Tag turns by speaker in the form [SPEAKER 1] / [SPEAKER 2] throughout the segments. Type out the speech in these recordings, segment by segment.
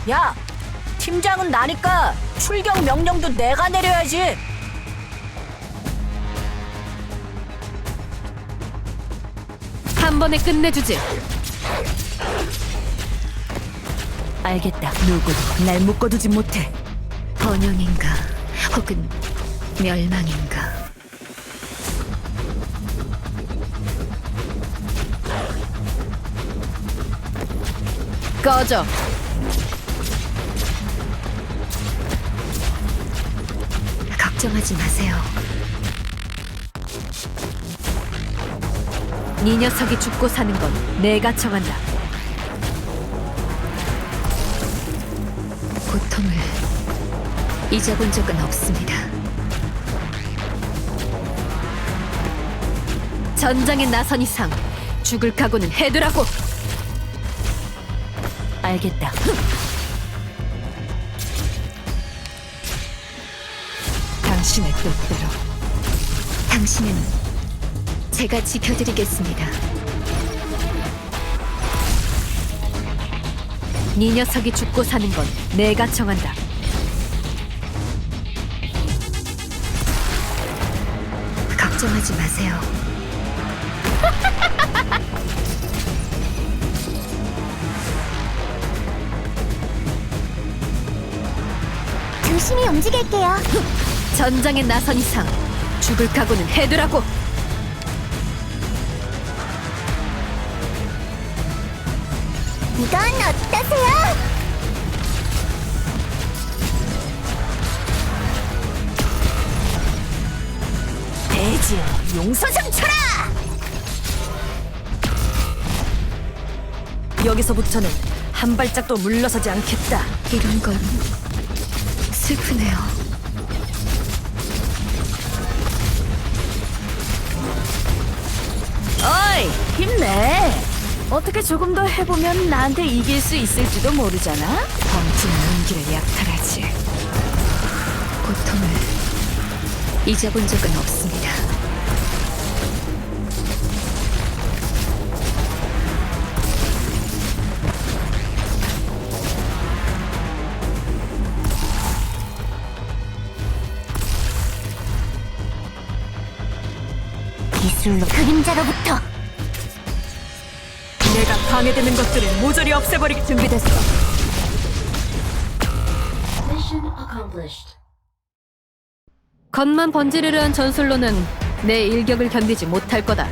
[SPEAKER 1] 야, 팀장은 나니까 출격 명령도 내가 내려야지.
[SPEAKER 2] 한 번에 끝내주지.
[SPEAKER 1] 알겠다. 누구도 날 묶어두지 못해.
[SPEAKER 2] 번영인가 혹은 멸망인가. 꺼져. 걱정하지 마세요. 네 녀석이 죽고 사는 건 내가 정한다. 고통을 잊어본 적은 없습니다. 전장에 나선 이상 죽을 각오는 해두라고.
[SPEAKER 1] 알겠다.
[SPEAKER 2] 당신의 뜻대로. 당신은 제가 지켜드리겠습니다. 네 녀석이 죽고 사는 건 내가 정한다. 걱정하지 마세요.
[SPEAKER 3] 조심히 움직일게요.
[SPEAKER 2] 전장에 나선 이상 죽을 각오는 해두라고.
[SPEAKER 3] 이건 어떠세요?
[SPEAKER 1] 대지여, 용서장 쳐라! 여기서부터는 한 발짝도 물러서지 않겠다.
[SPEAKER 2] 이런 건 슬프네요.
[SPEAKER 1] 어이, 힘내. 어떻게 조금 더 해보면 나한테 이길 수 있을지도 모르잖아.
[SPEAKER 2] 범증 용기를 약탈하지. 고통을 잊어본 적은 없습니다.
[SPEAKER 3] 기술로 그림자로부터.
[SPEAKER 1] 내가 방해되는 것들을 모조리 없애버리기 준비됐어.
[SPEAKER 2] 겉만 번지르르한 전술로는 내 일격을 견디지 못할 거다.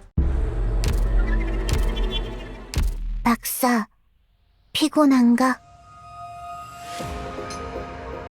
[SPEAKER 3] 박사, 피곤한가?